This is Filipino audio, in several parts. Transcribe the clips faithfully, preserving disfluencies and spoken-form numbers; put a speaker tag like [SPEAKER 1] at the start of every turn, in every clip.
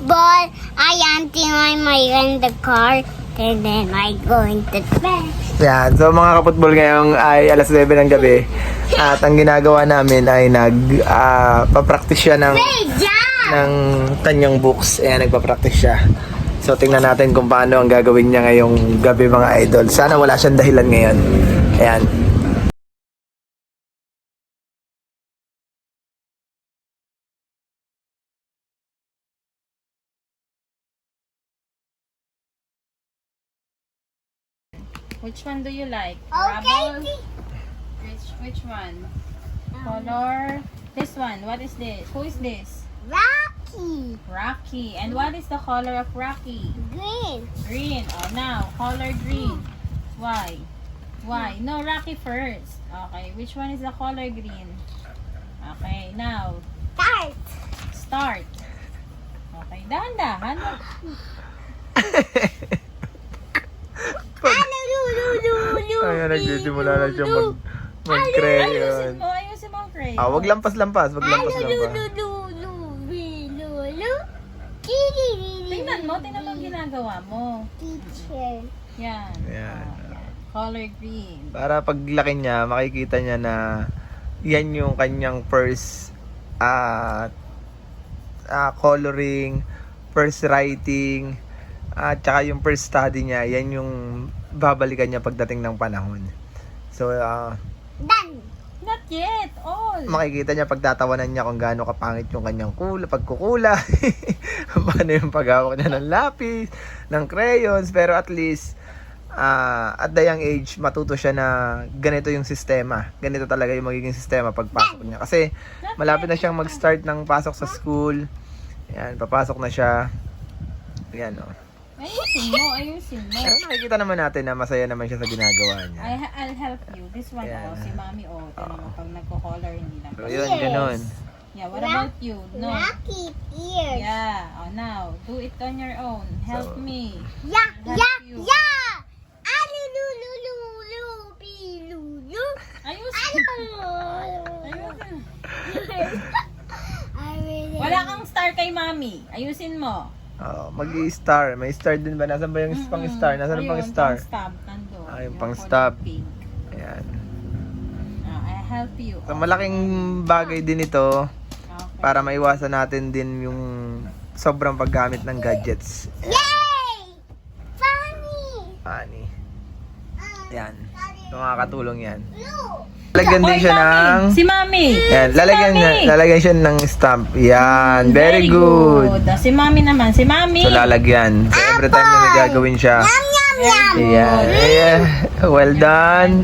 [SPEAKER 1] football. I auntie my my in the car. And then I go into bed.
[SPEAKER 2] Yan. So mga kaputbol, ngayong ay alas nuwebe ng gabi. At ang ginagawa namin ay nag uh, papractice siya ng ng kanyang books. Ayan, nagpa-practice siya. So tingnan natin kung paano ang gagawin niya ngayong gabi, mga idol. Sana wala siyang dahilan ngayon. Ayan.
[SPEAKER 3] Which one do you like?
[SPEAKER 1] Okay.
[SPEAKER 3] Rubble? Which which one? Color? This one. What is this? Who is this?
[SPEAKER 1] Rocky.
[SPEAKER 3] Rocky. And what is the color of Rocky?
[SPEAKER 1] Green.
[SPEAKER 3] Green. Oh, now color green. Why? Why? No, Rocky first. Okay. Which one is the color green? Okay. Now
[SPEAKER 1] Start.
[SPEAKER 3] start. Okay. Dahan-dahan.
[SPEAKER 1] Ano, lu, lu, lu, lu,
[SPEAKER 2] Ayan, nagsisimula na siya mag
[SPEAKER 3] Ayusin
[SPEAKER 2] mag-crayon.
[SPEAKER 3] mo. Ayusin mo ang crayon.
[SPEAKER 2] Ah, wag lampas-lampas, wag
[SPEAKER 1] Ano, lu, lu,
[SPEAKER 2] lampas-lampas.
[SPEAKER 1] lu, lu, bi, lu, lu. Kiri, ri, ri,
[SPEAKER 3] Tingnan mo. Tingnan mo ang ginagawa mo.
[SPEAKER 1] Teacher.
[SPEAKER 3] Yan.
[SPEAKER 2] Ayan.
[SPEAKER 3] Oh, color green.
[SPEAKER 2] Para paglaki niya, makikita niya na yan yung kanyang first ah ah, coloring, first writing, at saka yung first study niya, yan yung babalikan niya pagdating ng panahon. So, ah,
[SPEAKER 1] Done.
[SPEAKER 3] Not yet. All.
[SPEAKER 2] makikita niya pagtatawanan niya kung gaano kapangit yung kanyang kula, pagkukula, paano yung paghawak niya ng lapis, ng crayons, pero at least ah, at the young age, matuto siya na ganito yung sistema. Ganito talaga yung magiging sistema pagpasok niya. Kasi malapit na siyang mag-start ng pasok sa school. Yan, papasok na siya. Yan, oh.
[SPEAKER 3] Ayusin mo. Ayusin mo.
[SPEAKER 2] Pero nakikita naman natin na masaya naman siya sa ginagawa niya.
[SPEAKER 3] I, I'll help you. This one,
[SPEAKER 2] Yeah.
[SPEAKER 3] oh, si Mami, oh. Tignan mo, pag nagko-color, hindi lang.
[SPEAKER 2] So, yun, ganun.
[SPEAKER 3] Yeah, what about you? No.
[SPEAKER 1] Rocky ears.
[SPEAKER 3] Yeah. Oh, now, do it on your own. Help
[SPEAKER 2] So-
[SPEAKER 3] me.
[SPEAKER 1] Yeah,
[SPEAKER 3] Help
[SPEAKER 1] yeah,
[SPEAKER 3] you.
[SPEAKER 1] yeah. Ano, lu, lu, lu, lu, bi, lu, lu.
[SPEAKER 3] Ayusin.
[SPEAKER 1] Ano?
[SPEAKER 3] Ayusin.
[SPEAKER 1] I really-
[SPEAKER 3] Wala kang star kay Mami. Ayusin mo.
[SPEAKER 2] Oh, mag-i-star. May star din ba? Nasaan ba yung
[SPEAKER 3] Mm-mm.
[SPEAKER 2] pang-star? Nasaan ang
[SPEAKER 3] Ayun,
[SPEAKER 2] pang-star?
[SPEAKER 3] Pang-stab. Nandun.
[SPEAKER 2] Ah, yung
[SPEAKER 3] Yung
[SPEAKER 2] pang-stab.
[SPEAKER 3] color pink.
[SPEAKER 2] Ayan.
[SPEAKER 3] Ah, I'll help you.
[SPEAKER 2] So, malaking bagay din ito
[SPEAKER 3] Okay.
[SPEAKER 2] para maiwasan natin din yung sobrang paggamit ng gadgets.
[SPEAKER 1] Yay! Funny!
[SPEAKER 2] Ani. Yan. So, makakatulong yan.
[SPEAKER 1] Blue!
[SPEAKER 2] Lalagyan din
[SPEAKER 3] Oy,
[SPEAKER 2] siya
[SPEAKER 3] Mami!
[SPEAKER 2] ng...
[SPEAKER 3] Si Mami!
[SPEAKER 2] Yan, lalagyan,
[SPEAKER 3] Mami!
[SPEAKER 2] niya, lalagyan siya ng stamp. Yan, very, good.
[SPEAKER 3] Ah, Si Mami naman. Si Mami!
[SPEAKER 2] So, lalagyan. So, every time na may gagawin siya.
[SPEAKER 1] Yum, yum, yum!
[SPEAKER 2] Ayan. Ayan. Well done.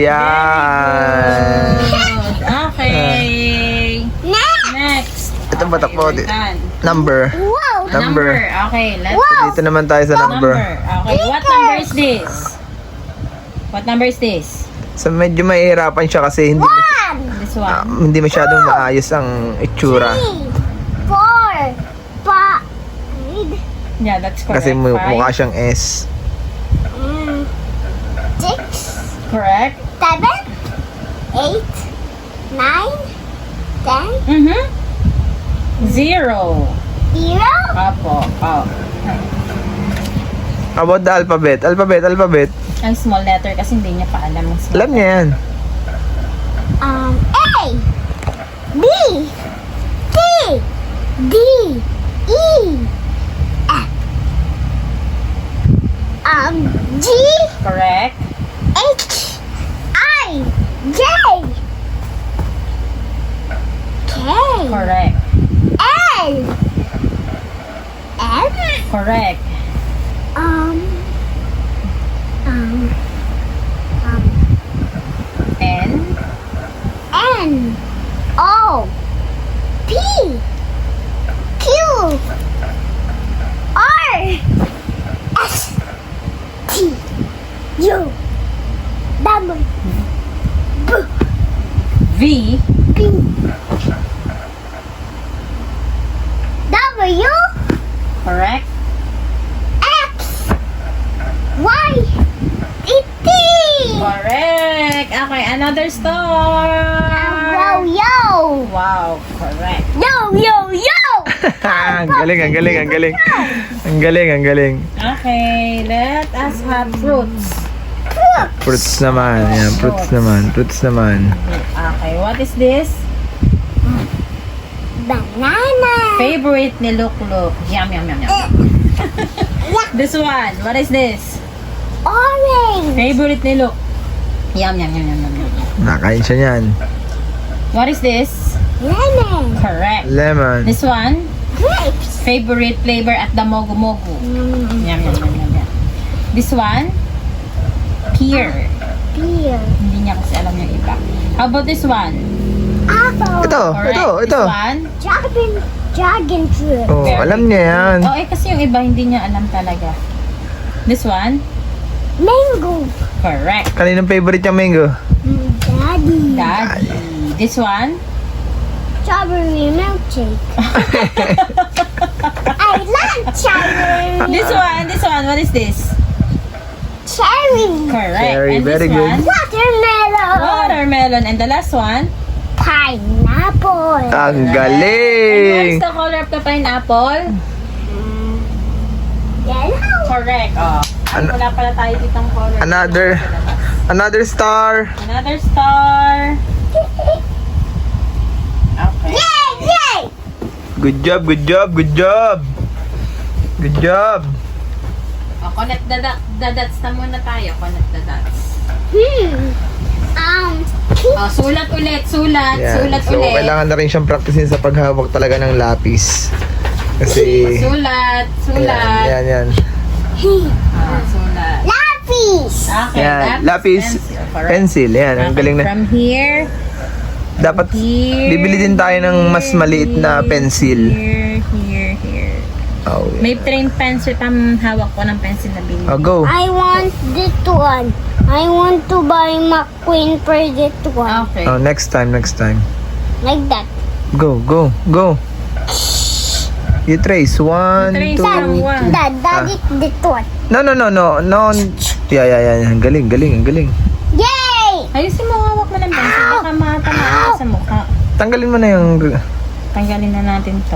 [SPEAKER 2] Ayan.
[SPEAKER 3] Good. Okay.
[SPEAKER 1] Next!
[SPEAKER 3] Next.
[SPEAKER 2] Ito ba
[SPEAKER 3] Okay,
[SPEAKER 2] takbo?
[SPEAKER 3] we're done.
[SPEAKER 2] Number.
[SPEAKER 1] Wow!
[SPEAKER 2] Number.
[SPEAKER 3] Okay, let's
[SPEAKER 2] So, dito naman tayo sa
[SPEAKER 3] number.
[SPEAKER 2] number.
[SPEAKER 3] Okay, what number is this? What number is this?
[SPEAKER 2] So, medyo mahihirapan siya kasi hindi,
[SPEAKER 1] One!
[SPEAKER 3] This
[SPEAKER 2] ah,
[SPEAKER 3] one.
[SPEAKER 2] hindi masyadong maayos ang itsura.
[SPEAKER 1] Three! Four! Five!
[SPEAKER 3] Yeah, that's correct.
[SPEAKER 2] Kasi mu-
[SPEAKER 3] Five.
[SPEAKER 2] mukha siyang S.
[SPEAKER 1] Mm. Six!
[SPEAKER 3] Correct.
[SPEAKER 1] Seven! Eight! Nine! Ten!
[SPEAKER 3] Mm-hmm. Zero.
[SPEAKER 1] Zero!
[SPEAKER 3] Apo. Oh.
[SPEAKER 2] About the alphabet. Alphabet, alphabet.
[SPEAKER 3] Ang small letter kasi hindi niya pa alam ang small
[SPEAKER 2] Alam niya yan.
[SPEAKER 1] Um, A, B, C, D, E, F, um, G,
[SPEAKER 3] Correct.
[SPEAKER 1] H, I, J, K,
[SPEAKER 3] Correct.
[SPEAKER 1] L, M,
[SPEAKER 3] Correct.
[SPEAKER 1] um, um, um,
[SPEAKER 3] N.
[SPEAKER 1] N, O, P, Q, R, S, T, U, W,
[SPEAKER 3] V.
[SPEAKER 1] P, W,
[SPEAKER 3] Correct.
[SPEAKER 1] X, Y, Z,
[SPEAKER 3] Correct. Okay, another star.
[SPEAKER 1] Yo, yo,
[SPEAKER 3] Wow, correct.
[SPEAKER 1] yo, yo, yo.
[SPEAKER 2] ang galing, ang galing, ang galing. Ang galing, ang galing.
[SPEAKER 3] Okay, let us have fruits.
[SPEAKER 2] Fruits naman. Yan, fruits naman. Fruits naman.
[SPEAKER 3] Okay, what is this?
[SPEAKER 1] Banana.
[SPEAKER 3] Favorite ni Lukluk. Yum, yum, yum, yum. This one, what is this?
[SPEAKER 1] Orange.
[SPEAKER 3] Favorite ni Luk. Yum, yum, yum, yum, yum, yum.
[SPEAKER 2] Nakain siya niyan.
[SPEAKER 3] What is this?
[SPEAKER 1] Lemon.
[SPEAKER 3] Correct.
[SPEAKER 2] Lemon.
[SPEAKER 3] This one,
[SPEAKER 1] Grapes.
[SPEAKER 3] favorite flavor at the Mogu Mogu.
[SPEAKER 1] Mm,
[SPEAKER 3] Yum, yum, yum, yum, yum. This one, pear.
[SPEAKER 1] Beer.
[SPEAKER 3] Hindi niya kasi alam yung iba. How about this one?
[SPEAKER 1] Apple.
[SPEAKER 2] Ito,
[SPEAKER 3] Correct.
[SPEAKER 2] ito, ito.
[SPEAKER 3] This one?
[SPEAKER 1] Dragon. Dragon fruit.
[SPEAKER 2] Oh,
[SPEAKER 3] Very
[SPEAKER 2] alam niya yan.
[SPEAKER 3] Oh, eh kasi yung iba hindi niya alam talaga. This one?
[SPEAKER 1] Mango.
[SPEAKER 3] Correct.
[SPEAKER 2] Kaninong favorite yung mango?
[SPEAKER 1] Mm, Daddy.
[SPEAKER 3] Daddy. This one?
[SPEAKER 1] Strawberry milkshake. I love strawberry.
[SPEAKER 3] This one? This one? What is this?
[SPEAKER 1] Cherry.
[SPEAKER 3] Correct.
[SPEAKER 2] Cherry,
[SPEAKER 3] And
[SPEAKER 2] very
[SPEAKER 3] this
[SPEAKER 2] good.
[SPEAKER 3] one?
[SPEAKER 1] Watermelon.
[SPEAKER 3] Watermelon. And the last one?
[SPEAKER 1] Pineapple.
[SPEAKER 2] Ang
[SPEAKER 3] And what
[SPEAKER 2] galing!
[SPEAKER 3] is the color of the pineapple?
[SPEAKER 1] Yellow.
[SPEAKER 3] Correct. Oh.
[SPEAKER 2] An-
[SPEAKER 3] Wala pala tayo ditong color.
[SPEAKER 2] Another, another star.
[SPEAKER 3] Another star. Okay.
[SPEAKER 1] Yay! Yay!
[SPEAKER 2] Good job, good job, good job. Good job.
[SPEAKER 3] Oh, connect the, dot, the dots na muna tayo. Connect the dots.
[SPEAKER 1] Hmm. Um.
[SPEAKER 3] Oh, sulat ulit. Sulat.
[SPEAKER 2] Yan.
[SPEAKER 3] Sulat
[SPEAKER 2] So,
[SPEAKER 3] ulit.
[SPEAKER 2] kailangan na rin siyang practicein sa paghawak talaga ng lapis. Kasi,
[SPEAKER 3] Sulat. Sulat.
[SPEAKER 2] yan, yan, yan.
[SPEAKER 3] Ah, sulat.
[SPEAKER 1] Lapis.
[SPEAKER 3] Okay.
[SPEAKER 2] Yan, lapis,
[SPEAKER 3] Correct.
[SPEAKER 2] pencil. Yan, ang
[SPEAKER 3] Okay,
[SPEAKER 2] galing na.
[SPEAKER 3] From here.
[SPEAKER 2] Dapat,
[SPEAKER 3] Here.
[SPEAKER 2] bibili din tayo ng mas maliit na pencil.
[SPEAKER 3] Here. Here. Here.
[SPEAKER 2] Oh, yeah.
[SPEAKER 3] May train pencil. Tam hawak ko ng pencil na binili.
[SPEAKER 2] Oh, go.
[SPEAKER 1] I want this one. I want to buy McQueen for this one.
[SPEAKER 3] Okay.
[SPEAKER 2] Oh, next time, next time.
[SPEAKER 1] Like that.
[SPEAKER 2] Go, go, go. You trace. One,
[SPEAKER 3] You trace
[SPEAKER 2] two,
[SPEAKER 3] lang, one.
[SPEAKER 1] Dad, dad, it's this one.
[SPEAKER 2] No, no, no, no, no. Yeah, yeah, yeah. Ang galing, galing, ang galing.
[SPEAKER 1] Yay!
[SPEAKER 3] Ayusin mo, hawak mo ng pencil. Baka matamaan ka sa mukha.
[SPEAKER 2] Tanggalin mo na yung...
[SPEAKER 3] Tanggalin na natin to.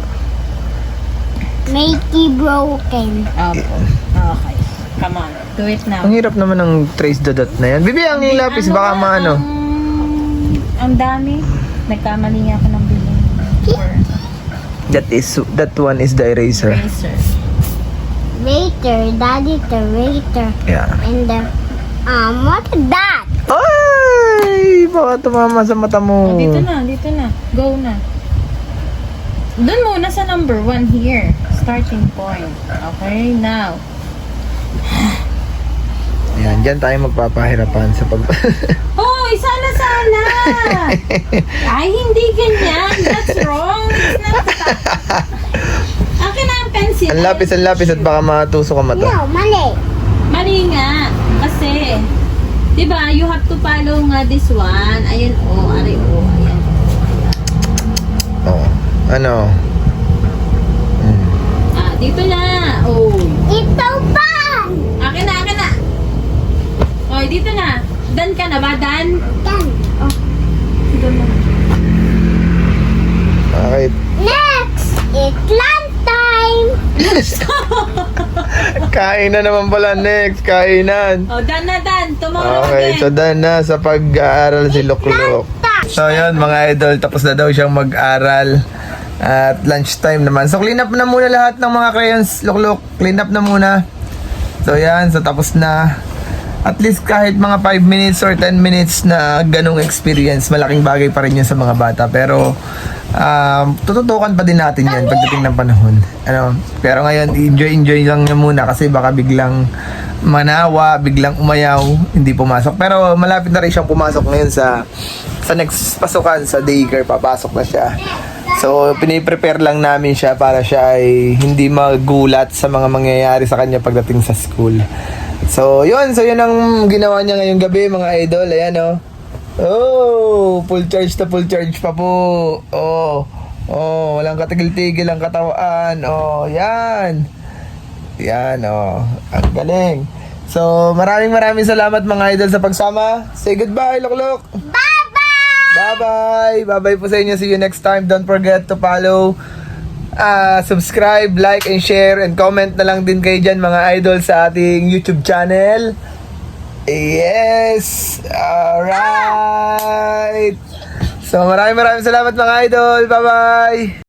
[SPEAKER 1] Make it broken.
[SPEAKER 3] Opo. Okay. Come on. Do it now.
[SPEAKER 2] Ang hirap naman ng trace the dot na yan. Bibi, ang lapis, baka
[SPEAKER 3] ba,
[SPEAKER 2] maano.
[SPEAKER 3] Ang, ang dami. Nagkamali nga ako ng bilhin. Or
[SPEAKER 2] That is, that one is the eraser.
[SPEAKER 3] eraser.
[SPEAKER 1] Waiter, daddy, the waiter.
[SPEAKER 2] Yeah.
[SPEAKER 1] And the, um, what is that?
[SPEAKER 2] Ay! Baka tumama sa mata mo.
[SPEAKER 3] Oh, dito na, dito na. Go na. Doon muna sa number one here. Starting point. Okay, now.
[SPEAKER 2] Yan, dyan tayo magpapahirapan sa pag...
[SPEAKER 3] Hoy, sana sana! Ay, hindi ganyan. That's wrong. It's not that. Akin na ang pencil.
[SPEAKER 2] ang lapis, ang lapis at baka matusok ka mata.
[SPEAKER 1] No, mali.
[SPEAKER 3] Mali nga. Kasi, di ba, you have to follow nga this one. Ayan, oh, aray, oh, ayan.
[SPEAKER 2] Oh. Ano? Hmm.
[SPEAKER 3] Ah, dito na. Oh.
[SPEAKER 1] Ito pa!
[SPEAKER 3] Akin na, akin na. Oh, dito na. Dan ka na ba, Dan?
[SPEAKER 1] Yan.
[SPEAKER 3] Oh. Dito na.
[SPEAKER 2] Okay.
[SPEAKER 1] Next, it's lunch time.
[SPEAKER 2] Kain na naman pala next. Kainan.
[SPEAKER 3] Oh, Dan na, Dan. Tomorrow
[SPEAKER 2] Okay,
[SPEAKER 3] again.
[SPEAKER 2] so done na sa pag-aaral si Lukluk. So yun mga idol, tapos na daw siyang mag-aral at lunchtime naman. So clean up na muna lahat ng mga crayons, Lukluk. Clean up na muna. So yan, so tapos na. At least kahit mga five minutes or ten minutes na ganong experience, malaking bagay pa rin yun sa mga bata. Pero um, tututukan pa din natin yan pagdating ng panahon. Ano, pero ngayon, enjoy-enjoy lang niya muna kasi baka biglang manawa, biglang umayaw, hindi pumasok. Pero malapit na rin siyang pumasok ngayon sa sa next pasukan, sa daycare, papasok na siya. So, piniprepare lang namin siya para siya ay hindi magulat sa mga mangyayari sa kanya pagdating sa school. So, yun. So, yun ang ginawa niya ngayong gabi, mga idol. Ayan, oh. Oh, full charge na full charge pa po. Oh, oh, walang katigil-tigil ang katawaan. Oh, yan. Yan, oh. Ang galing. So, maraming maraming salamat mga idol sa pagsama. Say goodbye, Lukluk.
[SPEAKER 1] Bye-bye!
[SPEAKER 2] Bye-bye. Bye-bye po sa inyo. See you next time. Don't forget to follow ah, subscribe, like, and share, and comment na lang din kayo dyan mga idol sa ating YouTube channel. Yes! Alright! So maraming maraming salamat mga idol. Bye-bye!